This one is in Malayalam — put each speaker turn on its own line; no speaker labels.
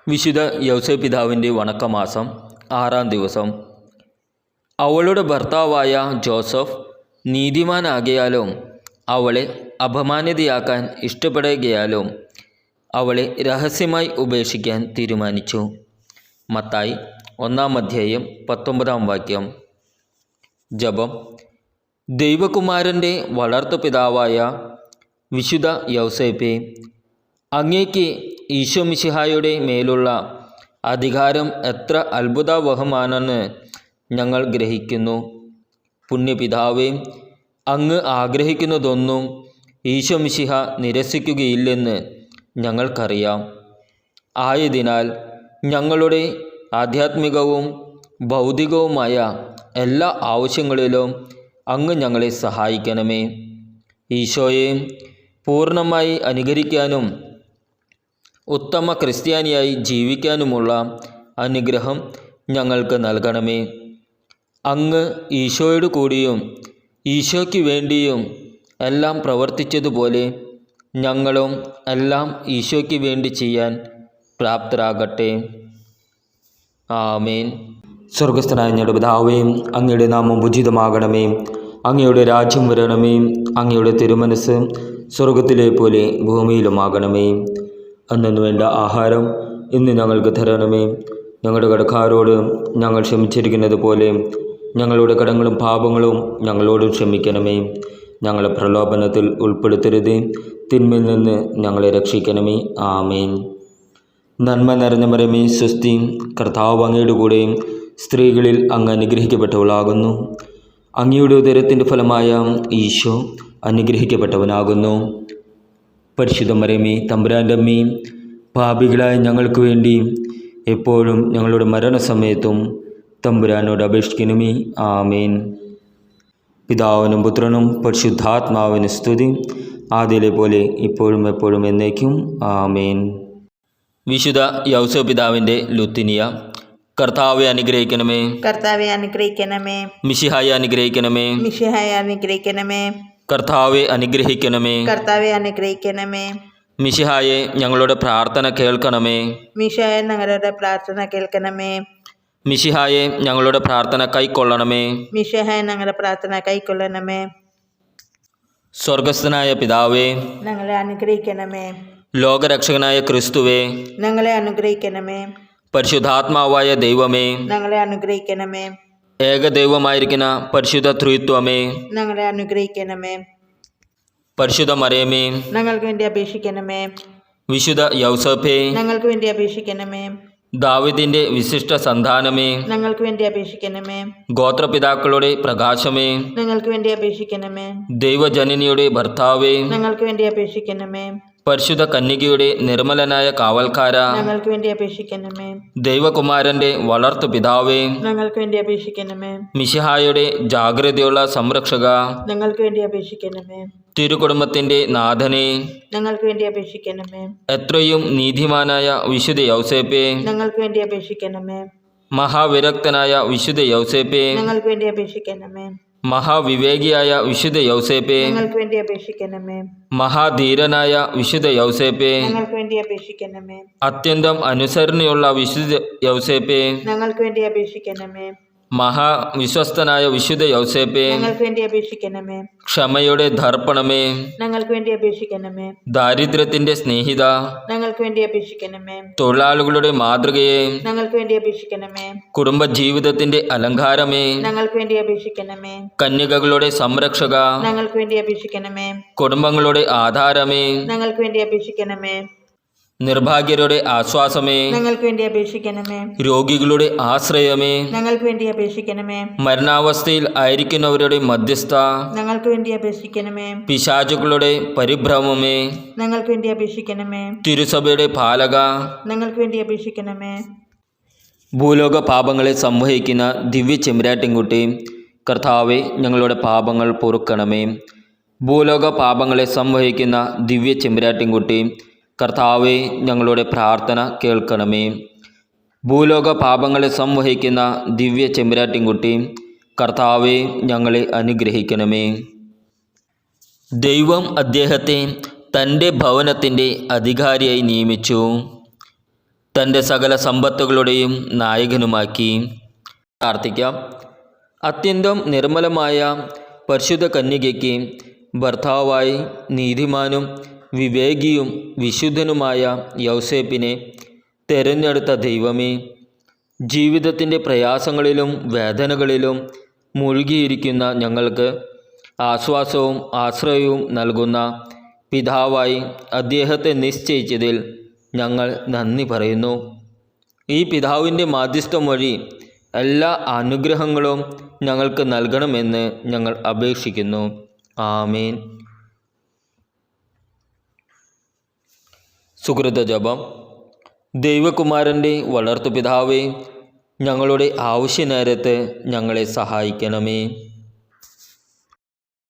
വിശുദ്ധ യൗസേപ്പ് പിതാവിൻ്റെ വണക്കമാസം 6-ാം ദിവസം. അവളുടെ ഭർത്താവായ ജോസഫ് നീതിമാനാകയാലും അവളെ അപമാനിതയാക്കാൻ ഇഷ്ടപ്പെടുകയാലും അവളെ രഹസ്യമായി ഉപേക്ഷിക്കാൻ തീരുമാനിച്ചു. മത്തായി 1-ാം അധ്യായം 19-ാം വാക്യം. ജപം. ദൈവകുമാരൻ്റെ വളർത്തുപിതാവായ വിശുദ്ധ യൗസേപ്പേ, അങ്ങേക്ക് ഈശോമിശിഹായുടെ മേലുള്ള അധികാരം എത്ര അത്ഭുതാവഹമാണെന്ന് ഞങ്ങൾ ഗ്രഹിക്കുന്നു. പുണ്യപിതാവേ, അങ്ങ് ആഗ്രഹിക്കുന്നതൊന്നും ഈശോമിശിഹ നിരസിക്കുകയില്ലെന്ന് ഞങ്ങൾക്കറിയാം. ആയതിനാൽ ഞങ്ങളുടെ ആധ്യാത്മികവും ഭൗതികവുമായ എല്ലാ ആവശ്യങ്ങളിലും അങ്ങ് ഞങ്ങളെ സഹായിക്കണമേ. ഈശോയെ പൂർണ്ണമായി അനുകരിക്കാനും ഉത്തമ ക്രിസ്ത്യാനിയായി ജീവിക്കാനുമുള്ള അനുഗ്രഹം ഞങ്ങൾക്ക് നൽകണമേ. അങ്ങ് ഈശോയോട് കൂടിയും ഈശോയ്ക്ക് വേണ്ടിയും എല്ലാം പ്രവർത്തിച്ചതുപോലെ ഞങ്ങളും എല്ലാം ഈശോയ്ക്ക് വേണ്ടി ചെയ്യാൻ പ്രാപ്തരാകട്ടെ. ആമേൻ. സ്വർഗസ്ഥനായ ഞങ്ങളുടെ പിതാവേ, അങ്ങയുടെ നാമം ഉചിതമാകണമേ. അങ്ങയുടെ രാജ്യം വരണമേ. അങ്ങയുടെ തിരുമനസ് സ്വർഗത്തിലെ പോലെ ഭൂമിയിലുമാകണമേ. അന്നു വേണ്ട ആഹാരം ഇന്ന് ഞങ്ങൾക്ക് തരണമേ. ഞങ്ങളുടെ കടക്കാരോട് ഞങ്ങൾ ക്ഷമിച്ചിരിക്കുന്നത് പോലെ ഞങ്ങളുടെ കടങ്ങളും പാപങ്ങളും ഞങ്ങളോടും ക്ഷമിക്കണമേ. ഞങ്ങളെ പ്രലോഭനത്തിൽ ഉൾപ്പെടുത്തരുത്, തിന്മയിൽ നിന്ന് ഞങ്ങളെ രക്ഷിക്കണമേ. ആമേൻ. നന്മ നിറഞ്ഞ മറിയമേ, സ്വസ്തി, കർത്താവ് അങ്ങയുടെ കൂടെ സ്ത്രീകളിൽ അങ്ങ് അനുഗ്രഹിക്കപ്പെട്ടവളാകുന്നു. അങ്ങയുടെ ഉദരത്തിൻ്റെ ഫലമായ ഈശോ അനുഗ്രഹിക്കപ്പെട്ടവനാകുന്നു. പരിശുദ്ധ മറിയമേ, തമ്പുരാൻ്റെ അമ്മേ, പാപികളായ ഞങ്ങൾക്ക് വേണ്ടി എപ്പോഴും ഞങ്ങളുടെ മരണസമയത്തും തമ്പുരാനോട് അപേക്ഷിക്കണമേ. ആമേൻ. പിതാവിനും പുത്രനും പരിശുദ്ധാത്മാവിന് സ്തുതി, ആദ്യയിലെ പോലെ ഇപ്പോഴും എപ്പോഴും എന്നേക്കും. ആമേൻ. വിശുദ്ധ യൗസേപ്പ് പിതാവിൻ്റെ ലുത്തിനിയ. കർത്താവെ അനുഗ്രഹിക്കണമേ.
കർത്താവെ അനുഗ്രഹിക്കണമേ.
മിശിഹായെ അനുഗ്രഹിക്കണമേ.
മിശിഹായെ അനുഗ്രഹിക്കണമേ.
കർത്താവെ അനുഗ്രഹിക്കണമേ.
കർത്താവെ അനുഗ്രഹിക്കണമേ.
മിശിഹായെ ഞങ്ങളുടെ പ്രാർത്ഥന കേൾക്കണമേ.
മിശിഹായെ ഞങ്ങളുടെ പ്രാർത്ഥന കേൾക്കണമേ.
മിശിഹായെ ഞങ്ങളുടെ പ്രാർത്ഥന കൈക്കൊള്ളണമേ.
മിശിഹായെ ഞങ്ങളുടെ പ്രാർത്ഥന കൈക്കൊള്ളണമേ.
സ്വർഗസ്ഥനായ പിതാവേ,
ഞങ്ങളെ അനുഗ്രഹിക്കണമേ.
ലോകരക്ഷകനായ ക്രിസ്തുവേ,
ഞങ്ങളെ അനുഗ്രഹിക്കണമേ.
പരിശുദ്ധാത്മാവായ ദൈവമേ,
ഞങ്ങളെ അനുഗ്രഹിക്കണമേ.
ഏകദൈവമായിരിക്കുന്ന പരിശുദ്ധ ത്രിത്വമേ,
ഞങ്ങളെ അനുഗ്രഹിക്കണമേ.
പരിശുദ്ധ മറിയമേ,
ഞങ്ങൾക്ക് വേണ്ടി അപേക്ഷിക്കണമേ.
വിശുദ്ധ യൗസേപ്പേ,
ഞങ്ങൾക്ക് വേണ്ടി അപേക്ഷിക്കണമേ.
ദാവീദിന്റെ വിശിഷ്ട സന്താനമേ,
ഞങ്ങൾക്ക് വേണ്ടി അപേക്ഷിക്കണമേ.
ഗോത്രപിതാക്കളുടെ പ്രകാശമേ,
ഞങ്ങൾക്ക് വേണ്ടി അപേക്ഷിക്കണമേ.
ദൈവജനനിയുടെ ഭർത്താവേ,
ഞങ്ങൾക്ക് വേണ്ടി അപേക്ഷിക്കണമേ.
പരിശുദ്ധ കന്യകയുടെ നിർമ്മലനായ കാവൽക്കാര,
ഞങ്ങൾക്ക് വേണ്ടി അപേക്ഷിക്കണമേ.
ദൈവകുമാരന്റെ വളർത്തു പിതാവേ,
ഞങ്ങൾക്ക് വേണ്ടി അപേക്ഷിക്കണമേ.
മിശിഹായുടെ ജാഗ്രതയുള്ള സംരക്ഷക,
ഞങ്ങൾക്ക് വേണ്ടി അപേക്ഷിക്കണമേ.
തിരുകുടുംബത്തിന്റെ നാഥനെ,
ഞങ്ങൾക്ക് വേണ്ടി അപേക്ഷിക്കണമേ.
എത്രയും നീതിമാനായ വിശുദ്ധ യൗസേപ്പേ,
ഞങ്ങൾക്ക് വേണ്ടി അപേക്ഷിക്കണമേ.
മഹാവിരക്തനായ വിശുദ്ധ യൗസേപ്പേ,
ഞങ്ങൾക്ക് വേണ്ടി അപേക്ഷിക്കണമേ.
മഹാവിവേകിയായ വിശുദ്ധ യൗസേപ്പേ,
ഞങ്ങൾക്ക് വേണ്ടി അപേക്ഷിക്കണമേ.
മഹാധീരനായ വിശുദ്ധ യൗസേപ്പേ,
ഞങ്ങൾക്ക് വേണ്ടി അപേക്ഷിക്കണമേ.
അത്യന്തം അനുസരണയുള്ള വിശുദ്ധ യൗസേപ്പേ,
ഞങ്ങൾക്ക് വേണ്ടി അപേക്ഷിക്കണമേ.
മഹാവിശ്വസ്തനായ വിശുദ്ധ യൗസേപ്പേ,
ഞങ്ങൾക്ക് വേണ്ടി അപേക്ഷിക്കണമേ.
ക്ഷമയുടെ ദർപ്പണമേ,
ഞങ്ങൾക്ക് വേണ്ടി അപേക്ഷിക്കണമേ.
ദാരിദ്ര്യത്തിന്റെ സ്നേഹിത,
ഞങ്ങൾക്ക് വേണ്ടി അപേക്ഷിക്കണമേ.
തൊഴിലാളികളുടെ മാതൃകയെ,
ഞങ്ങൾക്ക് വേണ്ടി അപേക്ഷിക്കണമേ.
കുടുംബജീവിതത്തിന്റെ അലങ്കാരമേ,
ഞങ്ങൾക്ക് വേണ്ടി അപേക്ഷിക്കണമേ.
കന്യകകളുടെ സംരക്ഷക,
ഞങ്ങൾക്ക് വേണ്ടി അപേക്ഷിക്കണമേ.
കുടുംബങ്ങളുടെ ആധാരമേ,
ഞങ്ങൾക്ക് വേണ്ടി അപേക്ഷിക്കണമേ.
നിർഭാഗ്യരുടെ ആശ്വാസമേ,
ഞങ്ങൾക്ക് വേണ്ടി അപേക്ഷിക്കണമേ.
രോഗികളുടെ ആശ്രയമേ,
ഞങ്ങൾക്ക് വേണ്ടി അപേക്ഷിക്കണമേ.
മരണാവസ്ഥയിൽ ആയിരിക്കുന്നവരുടെ മധ്യസ്ഥ,
ഞങ്ങൾക്ക് വേണ്ടി അപേക്ഷിക്കണമേ.
പിശാചുക്കളുടെ പരിഭ്രമമേ,
ഞങ്ങൾക്ക് വേണ്ടി അപേക്ഷിക്കണമേ.
തിരുസഭയുടെ പാലക,
ഞങ്ങൾക്ക് വേണ്ടി അപേക്ഷിക്കണമേ.
ഭൂലോക പാപങ്ങളെ സംവഹിക്കുന്ന ദിവ്യ ചെമ്പരാട്ടിൻകുട്ടി, കർത്താവെ ഞങ്ങളുടെ പാപങ്ങൾ പൊറുക്കണമേ. ഭൂലോക പാപങ്ങളെ സംവഹിക്കുന്ന ദിവ്യ ചെമ്പരാട്ടിൻകുട്ടി, കർത്താവെ ഞങ്ങളുടെ പ്രാർത്ഥന കേൾക്കണമേ. ഭൂലോക പാപങ്ങളെ സംവഹിക്കുന്ന ദിവ്യ ചെമ്പരാട്ടിൻകുട്ടി, കർത്താവെ ഞങ്ങളെ അനുഗ്രഹിക്കണമേ. ദൈവം അദ്ദേഹത്തെ തൻ്റെ ഭവനത്തിൻ്റെ അധികാരിയായി നിയമിച്ചു. തൻ്റെ സകല സമ്പത്തുകളുടെയും നായകനുമാക്കി. പ്രാർത്ഥിക്കാം. അത്യന്തം നിർമ്മലമായ പരിശുദ്ധ കന്യകയ്ക്ക് ഭർത്താവായി നീതിമാനും വിവേകിയും വിശുദ്ധനുമായ യൗസേപ്പിനെ തിരഞ്ഞെടുത്ത ദൈവമേ, ജീവിതത്തിൻ്റെ പ്രയാസങ്ങളിലും വേദനകളിലും മുഴുകിയിരിക്കുന്ന ഞങ്ങൾക്ക് ആശ്വാസവും ആശ്രയവും നൽകുന്ന പിതാവായി അദ്ദേഹത്തെ നിശ്ചയിച്ചതിൽ ഞങ്ങൾ നന്ദി പറയുന്നു. ഈ പിതാവിൻ്റെ മാധ്യസ്ഥം വഴി എല്ലാ അനുഗ്രഹങ്ങളും ഞങ്ങൾക്ക് നൽകണമെന്ന് ഞങ്ങൾ അപേക്ഷിക്കുന്നു. ആമേൻ. സുകൃത ജപം. ദൈവകുമാരൻ്റെ വളർത്തുപിതാവേ, ഞങ്ങളുടെ ആവശ്യനേരത്ത് ഞങ്ങളെ സഹായിക്കണമേ.